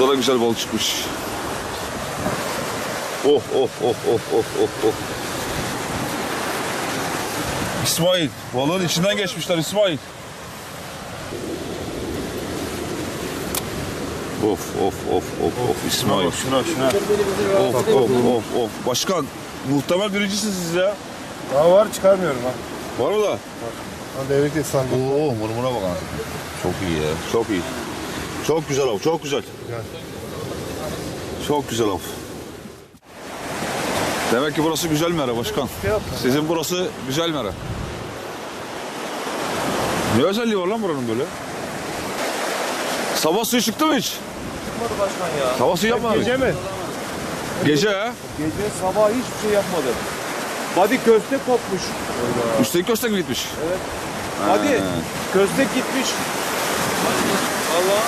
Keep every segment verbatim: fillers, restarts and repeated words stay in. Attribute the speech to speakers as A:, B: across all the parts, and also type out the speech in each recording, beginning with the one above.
A: Burada da güzel balık çıkmış. Oh oh oh oh oh oh oh. İsmail, balığın içinden geçmişler İsmail. Of of of of of İsmail.
B: Şuna şuna.
A: Of of of of. Başkan, muhtemel birincisiniz siz ya.
B: Daha var, çıkarmıyorum ha.
A: Var mı da?
B: Var. Hadi evet efsane.
A: Oo, mırmıra bak ha. Çok iyi ya, çok iyi. Çok güzel av, çok güzel.
B: Gel.
A: Çok güzel av. Demek ki burası güzel mera başkan. Sizin burası güzel mera. Ne özelliği var lan buranın böyle? Sabah suyu çıktı mı hiç?
C: Çıkmadı başkan ya.
A: Sabah suyu yapmadı.
B: Gece mi?
A: Gece ha?
C: Gece sabah hiçbir şey yapmadı. Body köstek kopmuş.
A: Üstelik köstek mi gitmiş?
C: Evet. Body köstek gitmiş. Allah.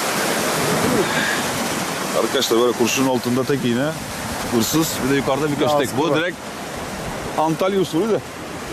A: Arkadaşlar böyle kurşunun altında tek iğne, hırsız, bir de yukarıda bir köstek. Bu
B: var.
A: direkt Antalya usulü de.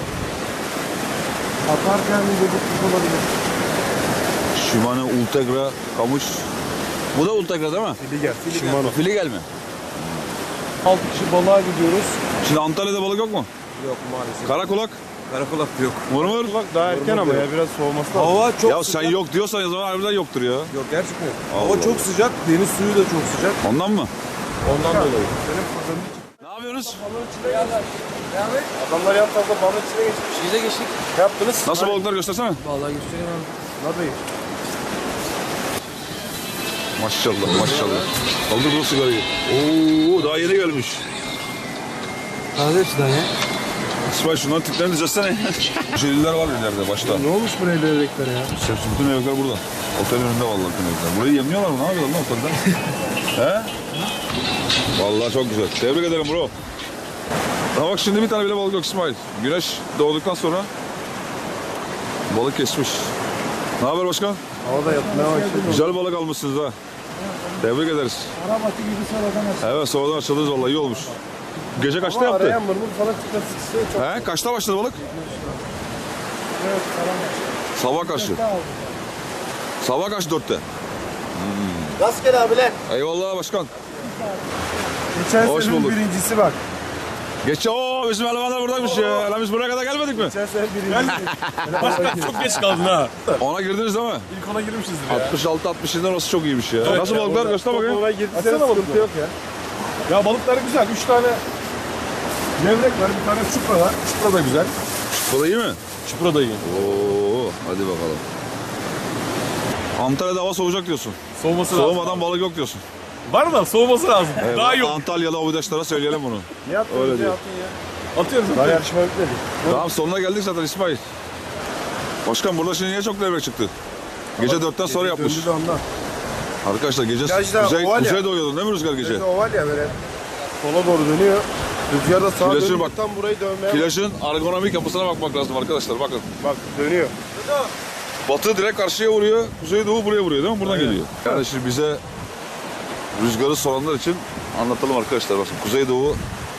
B: Atarken bir bozukluk olabilir.
A: Shimano Ultegra kamış. Bu da Ultegra değil mi?
B: Fili gel. Shimano.
A: Filigel mi?
C: Altı kişi balığa gidiyoruz.
A: Şimdi Antalya'da balık yok mu?
C: Yok maalesef.
A: Karakulak,
C: Karakulak yok.
A: mırmır.
B: Bak daha erken ama ya biraz soğuması lazım.
C: Hava çok
A: Ya
C: sıcak.
A: sen yok diyorsan o zaman harbiden yoktur ya.
C: Yok gerçekten yok.
A: Allah
C: Hava çok sıcak. Deniz suyu da çok sıcak.
A: Ondan mı?
C: Ondan dolayı.
B: Senin fırtının
A: Ne yapıyorsunuz?
B: adamlar yan tarafta balın içine geçmiş.
C: Biz de geçtik.
B: Ne yaptınız?
A: Nasıl balıklar göstersene.
C: Vallahi göstereyim abi.
B: Hadi.
A: Maşallah maşallah. Kaldır bu sigarayı. Oo daha yeni gelmiş.
C: Taze hepsinden ya.
A: İsmail şunların tiplerini düzeltsene. Jelliler var ileride başta.
B: Ne olmuş buraya levreklere ya?
A: Hepsi bütün evler burada. Otelin önünde vallahi bütün evler. Burayı yemliyorlar mı? Ne yapıyorlar lan otelden? He? Vallahi çok güzel. Tebrik ederim bro. Ha bak şimdi bir tane bile balık yok İsmail. Güneş doğduktan sonra balık kesmiş. Ne haber başkan?
B: Havada yatmaya başladı.
A: Güzel balık almışsınız ha. Tebrik ederiz.
B: Arabatı gibi sonradan açtı.
A: Evet sonradan açıldınız vallahi iyi olmuş. Gece kaçta
B: Ama
A: yaptı?
B: arayan mırmır falan çıkması istiyor çok.
A: He? Kaçta başladı balık?
B: Evet falan açtı.
A: Sabah karşı. Sabah karşı dörtte.
B: Rastgele abiler.
A: Eyvallah başkan.
B: Geçen
A: Hoş
B: senenin
A: bulduk.
B: birincisi bak.
A: Geç o bizim elemanlar buradaymış ya. Lan biz buraya kadar gelmedik mi?
B: Geçen sene birincisi.
C: Çok geç kaldın ha.
A: Ona girdiniz değil mi?
C: İlk ona girmişizdir ya.
A: altmış altı altmış yedi'den orası çok iyiymiş ya. Nasıl balıklar? Göster bakayım.
B: Ona girdi sene sıkıntı yok ya.
C: Ya balıkları güzel. Üç tane levrek var. Bir tane çupra var. Çupra da güzel.
A: Bu da iyi mi?
C: Çupra da iyi.
A: Oo, hadi bakalım. Antalya'da hava soğuyacak diyorsun.
C: Soğuması lazım.
A: Soğumadan balık yok diyorsun.
C: Var da soğuması lazım.
A: Evet,
C: Daha iyi olur.
A: Antalyalı abidaşlara söyleyelim bunu.
B: Ne yaptın?
A: Öyle
B: Ne
A: diyor.
B: yaptın ya?
C: Atıyoruz.
B: Daha yarışma bitmedi.
A: Tamam sonuna geldik zaten İsmail. Başkan burada şimdi niye çok levrek çıktı? Gece dörtten sonra yapmış.
B: Döndü de ondan.
A: Arkadaşlar gece
B: Virajda
A: kuzey,
B: oval ya.
A: kuzey doğuyordun değil mi rüzgar gece?
B: Gece oval ya böyle. Sola doğru dönüyor. Rüzgar da sağa
A: Flaşın
B: dönüyor.
A: bak.
B: Tam burayı dönmeye bak.
A: Plajın ergonomik yapısına bakmak lazım arkadaşlar bakın.
B: Bak dönüyor.
A: Batı direkt karşıya vuruyor, kuzey doğu buraya vuruyor değil mi? Buradan geliyor. Yani şimdi bize rüzgarı soranlar için anlatalım arkadaşlar. Bakın kuzey doğu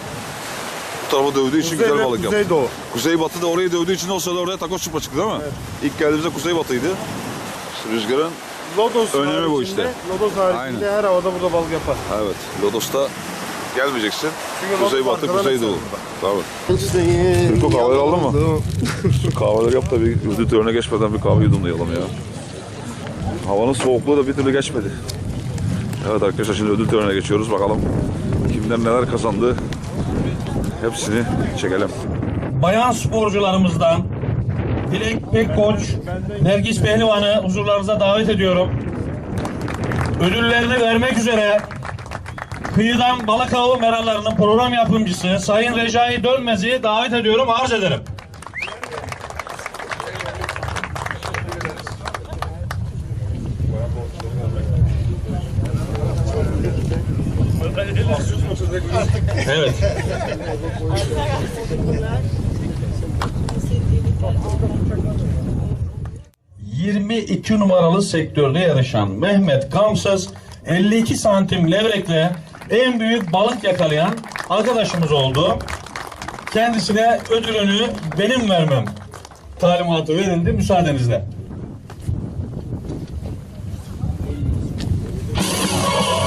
A: bu tarafa dövdüğü için
B: Kuzey
A: güzel
B: ve
A: balık yaptı.
B: Kuzey doğu.
A: Kuzey batı da orayı dövdüğü için o sırada oraya takoz çupa çıktı değil mi?
B: Evet.
A: İlk geldiğimizde kuzey batıydı. İşte rüzgarın
B: Lodos
A: önemi bu
B: haricinde-
A: işte.
B: Lodos haricinde her havada burada balık yapar.
A: evet Lodos'ta gelmeyeceksin.
B: Çünkü
A: Kuzey
B: Lodos
A: batı,
B: arkadan
A: kuzey
B: açar
A: doğu.
B: burada.
A: Tabii. Türko kahveleri aldın mı? Şu kahveleri yap da bir ödül törenine geçmeden bir kahve yudumlayalım ya. Havanın soğukluğu da bir türlü geçmedi. Evet arkadaşlar şimdi ödül törenine geçiyoruz. Bakalım kimler neler kazandı. Hepsini çekelim.
D: Bayan sporcularımızdan Dilek Pekkoç, Nergis Pehlivan'ı huzurlarınıza davet ediyorum. Ödüllerini vermek üzere Kıyıdan Balık Avı Meralarının program yapımcısı Sayın Recai Dönmez'i davet ediyorum, arz ederim. Evet. yirmi iki numaralı sektörde yarışan Mehmet Gamsız elli iki santim levrekle en büyük balık yakalayan arkadaşımız oldu. Kendisine ödülünü benim vermem talimatı verildi müsaadenizle.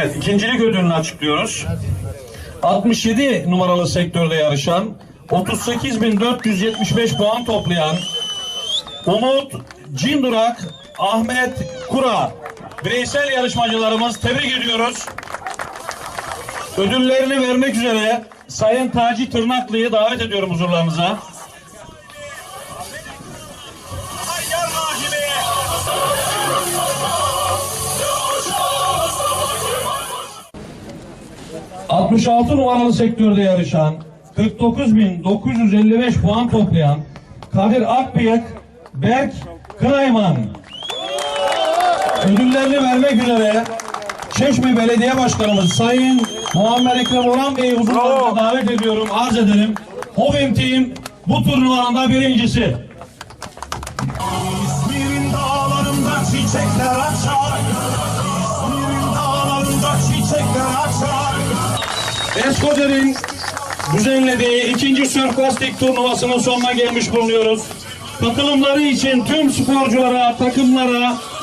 D: Evet, ikincilik ödülünü açıklıyoruz. altmış yedi numaralı sektörde yarışan, otuz sekiz bin dört yüz yetmiş beş puan toplayan Umut Cindurak, Ahmet Kura bireysel yarışmacılarımız, tebrik ediyoruz. Ödüllerini vermek üzere Sayın Taci Tırnaklı'yı davet ediyorum huzurlarınıza. altmış altı numaralı sektörde yarışan, kırk dokuz bin dokuz yüz elli beş puan toplayan Kadir Akbıyık, Berk Kınayman ödüllerini vermek üzere Çeşme Belediye Başkanımız Sayın Muammer Ekrem Orhan Bey'i huzurlarına davet ediyorum, arz edelim. Hovim Team bu turnuvanın da birincisi.
E: İzmir'in dağlarında çiçekler açar. İzmir'in dağlarında çiçekler açar.
D: Eskoder'in düzenlediği ikinci Surf Lastik turnuvasının sonuna gelmiş bulunuyoruz. Katılımları için tüm sporculara, takımlara,